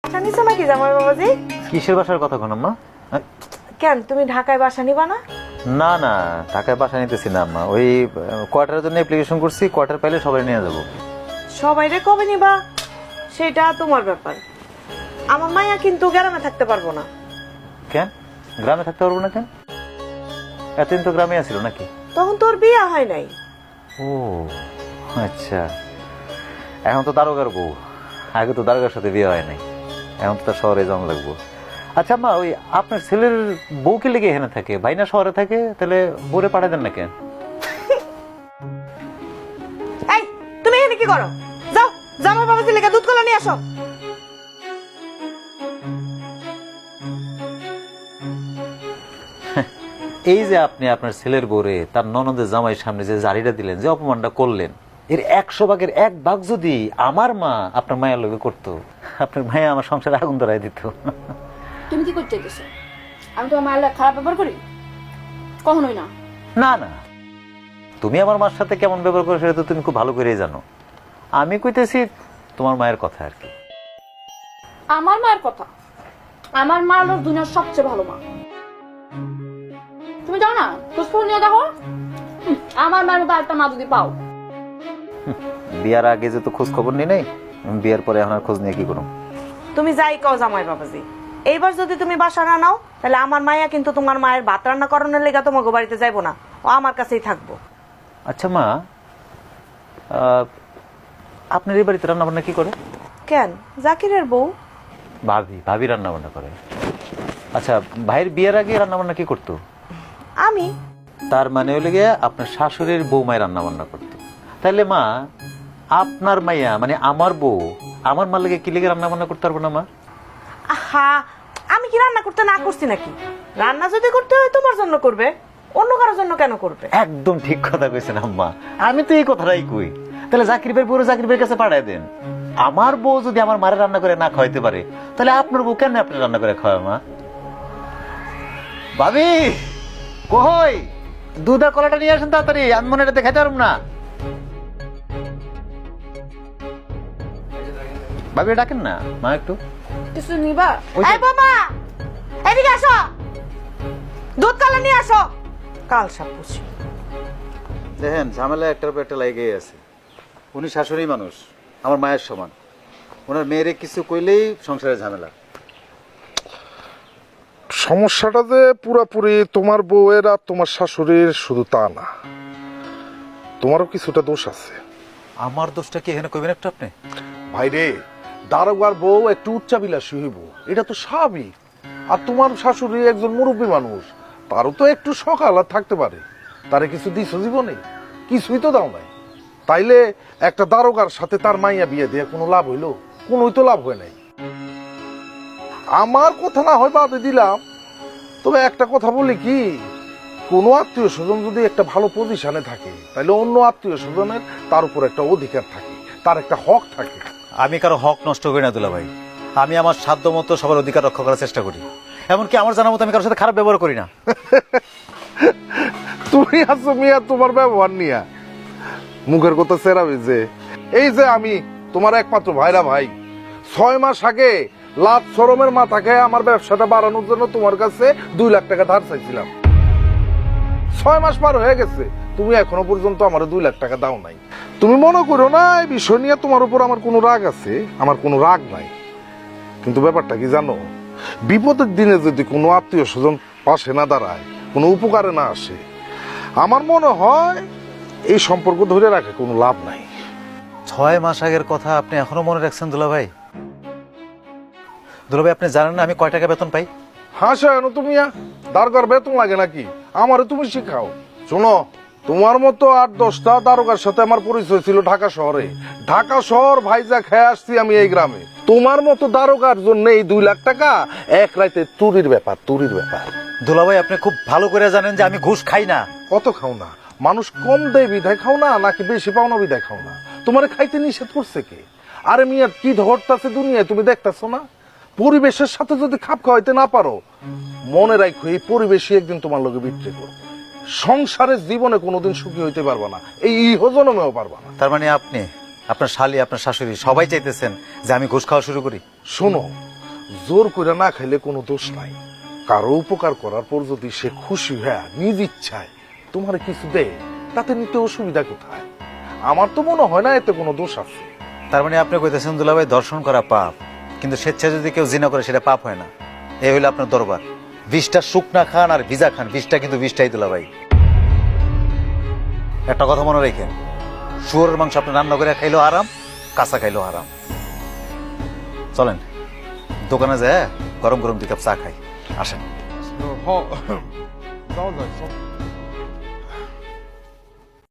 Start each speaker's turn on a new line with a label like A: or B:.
A: বাসা নিছো নাকি জামাই বাবাজি?
B: কিসের বাসার কথা কোন আম্মা?
A: কেন তুমি ঢাকায় বাসা নিবা না?
B: না না, ঢাকায় বাসা নিতেছি না আম্মা। ওই কোয়ার্টারের জন্য অ্যাপ্লিকেশন করছি, কোয়ার্টার পাইলে সবাই নিয়ে যাবো।
A: সবাইরে কবে নিবা সেটা তোমার ব্যাপার। আমার মায়া কিন্তু গ্রামে থাকতে পারবো না।
B: কেন গ্রামে থাকতে পারবো না কেন? এতদিন তো গ্রামে আছিল নাকি?
A: তখন তোর বিয়ে হয় নাই।
B: ও আচ্ছা, এখন তো দারোগার বউ, আগে তো দারোগার সাথে বিয়ে হয় নাই, এখন তো তার শহরে যাওয়া লাগবো। আচ্ছা মা, ওই আপনার ছেলের বউ কি লেগে এখানে থাকে? ভাই না শহরে থাকে? তাহলে বউরে পাঠাই দেন না কেন?
A: এই তুমি এখানে কি করো? যাও জামাই বাবাজি লেগে দুধ কলা নিয়ে আসো।
B: এই যে আপনি আপনার ছেলের বউরে তার ননদের জামাইয়ের সামনে যে জারিটা দিলেন, যে অপমানটা করলেন, এর 100 ভাগের 1 ভাগ যদি আমার মা আপনার মায়ের লগে করতো, আপনার মায়া আমার সংসারে আগুন ধরাই দিত।
C: তুমি কি করতে চাইতেছো? আমি তো আমার আল্লাহ খারাপ ব্যবহার করি? কখনোই না।
B: না না, তুমি আমার মার সাথে কেমন ব্যবহার করো সেটা তো তুমি খুব ভালো করেই জানো। আমি কইতেছি তোমার মায়ের কথা আর কি।
C: আমার মায়ের কথা? আমার মা হলো দুনিয়ার সবচেয়ে ভালো মা। তুমি যাও না, খোঁজখবর নিয়ে দেখো। আমার মায়ের মতো আরেকটা মা যদি পাও।
B: বিয়ার আগে যে তো খোঁজ খবর নেই, বিয়ার পরে এখন আর খোঁজ নিয়ে কি করো?
A: তুমি যাই কও জামাই বাবাজি, এইবার যদি তুমি বাসা না নাও তাহলে আমার মায়া কিন্তু তোমার মায়ের ভাত রান্না করানোর লেগে তোমাকে বাড়িতে যাইবো না, ও আমার কাছেই থাকবো।
B: আচ্ছা মা, আপনার এই বাড়িতে রান্না বান্না কি করে?
A: কেন জাকিরের বউ?
B: ভাবি রান্না বান্না করে। আচ্ছা, ভাইয়ের বিয়ের আগে রান্না বান্না কি করতো?
A: আমি।
B: তার মানে হলে গিয়ে আপনার শাশুড়ির বৌমায় রান্না বান্না করতো। তাহলে মা, আপনার মাইয়া মানে আমার বউ আমার মার লেগে কি লেগে রান্না বান্না করতে পারবো না মা?
A: আহা, আমি কি রান্না করতে না করছি নাকি? রান্না যদি করতে হয় তোমার জন্য করবে, অন্য কারোর জন্য কেন করবে?
B: একদম ঠিক কথা কইছেন আম্মা, আমি তো এই কথাটাই কই। তাহলে জাকির ভাই পুরো জাকির ভাইয়ের কাছে পাঠায় দেন। আমার বউ যদি আমার মারে রান্না করে না খাওয়াইতে পারে, তাহলে আপনার বউ কেন আপনি রান্না করে খাওয়ায় মা? ভাবি কই, দুধ আর কলাটা নিয়ে আসেন তাড়াতাড়ি, আমি মনে এটা দেখাতে পারবো না। ভাবি ডাকেন না মা একটু।
C: কিছু নিবা?
A: এই বাবা, এদিকে আসো, দুধ কলা নিয়ে আসো। কাল সাপুছি
B: দেখেন ঝামেলা একটার পর একটা লেগেই আছে। উনি শাশুড়ি মানুষ, আমার মায়ের সমান। ওনার মেয়েরে কিছু কইলেই সংসারে ঝামেলা।
D: সমস্যাটা যে পুরাপুরি তোমার বউয়ের আর তোমার শাশুড়ির শুধু তা না, তোমারও কিছুটা দোষ আছে।
B: আমার দোষটা কি এখানে কইবেন একটু আপনি?
D: ভাইরে, দারোগার বউ একটু উচ্চাবিলাসী হইব, এটা তো স্বাভাবিক। আর তোমার শাশুড়ি একজন মুরব্বী মানুষ, তারও তো একটু সকাল আর থাকতে পারে। তারে কিছু দিছো জীবনে? কিছুই তো দাও নাই। তাইলে একটা দারোগার সাথে তার মাইয়া বিয়ে দিয়ে কোনো লাভ হইলো? কোনোই তো লাভ হয় নাই। আমার কথা না হয় বাদে দিলাম, তবে একটা কথা বলি কি, কোনো আত্মীয় স্বজন যদি একটা ভালো পজিশনে থাকে, তাহলে অন্য আত্মীয় স্বজনের তার উপর একটা অধিকার থাকে, তার একটা হক থাকে।
B: আমি কারো হক নষ্ট করি না দুলা ভাই, আমি আমার সাধ্য মতো সবার অধিকার রক্ষা করার চেষ্টা করি। এমনকি আমার জানা মতো আমি কারোর সাথে খারাপ ব্যবহার করি না।
D: তুমি আছো মিয়া তোমার ব্যবহার নিয়া মুখের কথা চেরাবি যে, এই যে আমি তোমার একমাত্র ভাইরা ভাই, 6 মাস আগে লাভ শরমের মাথাকে আমার ব্যবসাটা বাড়ানোর জন্য তোমার কাছে 2 লাখ টাকা ধার চাইছিলাম। 6 মাস পার হয়ে গেছে, তুমি এখনো পর্যন্ত আমার 2 লাখ টাকা দাও নাই। তুমি মনে করো না এই বিষয় নিয়ে তোমার উপর আমার কোনো রাগ আছে, আমার কোনো রাগ নাই। কিন্তু ব্যাপারটা কি জানো, বিপদের দিনে যদি কোনো আত্মীয় স্বজন পাশে না দাঁড়ায়, কোনো উপকারে না আসে, আমার মনে হয় এই সম্পর্ক ধরে রাখে কোনো লাভ নাই।
B: 6 মাস আগের কথা আপনি এখনো মনে রাখছেন দুলা ভাই? দুলা ভাই, আপনি জানেন না আমি কয় টাকা বেতন পাই?
D: হাসা এনো তুমি, দারোগার বেতন লাগে নাকি? আমারে তুমি শিখাও। শোনো, তোমার মতো 8-10টা দারোগার সাথে আমার পরিচয় ছিল ঢাকা শহরে। ঢাকা শহর ভাইজা খেয়ে আসছি আমি এই গ্রামে। তোমার মতো দারোগার জন্য এই 2 লাখ টাকা এক রাতে চুরির ব্যাপার, চুরির ব্যাপার।
B: দুলা ভাই, আপনি খুব ভালো করে জানেন যে আমি ঘুষ খাই না।
D: কত খাও না? মানুষ কম দেয় বিধায় খাও না, নাকি বেশি পাও না বিধায় খাও না? তোমার খাইতে নিষেধ করছে কে? আরে মিয়া, কি ধরতাছে দুনিয়ায় তুমি দেখতেছো না? পরিবেশের সাথে যদি খাপ খাওয়াইতে না পারো, মনে রাখো এই পরিবেশই একদিন তোমার লগে বিক্রি করবে। সংসারের জীবনে কোনোদিন সুখী হইতে পারবা না, এই ইহজনমেও পারবা না।
B: তার মানে আপনি, আপনার শালি, আপনার শাশুড়ি সবাই চাইতেছেন যে আমি ঘুষ খাওয়া শুরু করি?
D: শোনো, জোর করে না খাইলে কোনো দোষ নাই। কারো উপকার করার পর যদি সে খুশি হয়ে নিজ ইচ্ছায় তোমার কিছু দেয়, তাতে নিতে অসুবিধা কোথায়? আমার তো মনে হয় না এতে কোনো দোষ আছে।
B: তার মানে আপনি কইতেছেন দুলাভাই দর্শন করা পাপ, কিন্তু স্বেচ্ছায় যদি কেউ জিনা করে সেটা পাপ হয় না। এই হইলো আপনার দরবার। 20টা শুকনা খান আর ভিজা খান, 20টা কিন্তু 20টাই দুলাভাই। একটা কথা মনে রেখেন, শুয়োরের মাংস আপনি রান্না করে খাইলেও আরাম, কাঁচা খাইলেও আরাম। চলেন দোকানে যায় গরম গরম 2 কাপ চা খাই, আসেন।
D: যাও যাও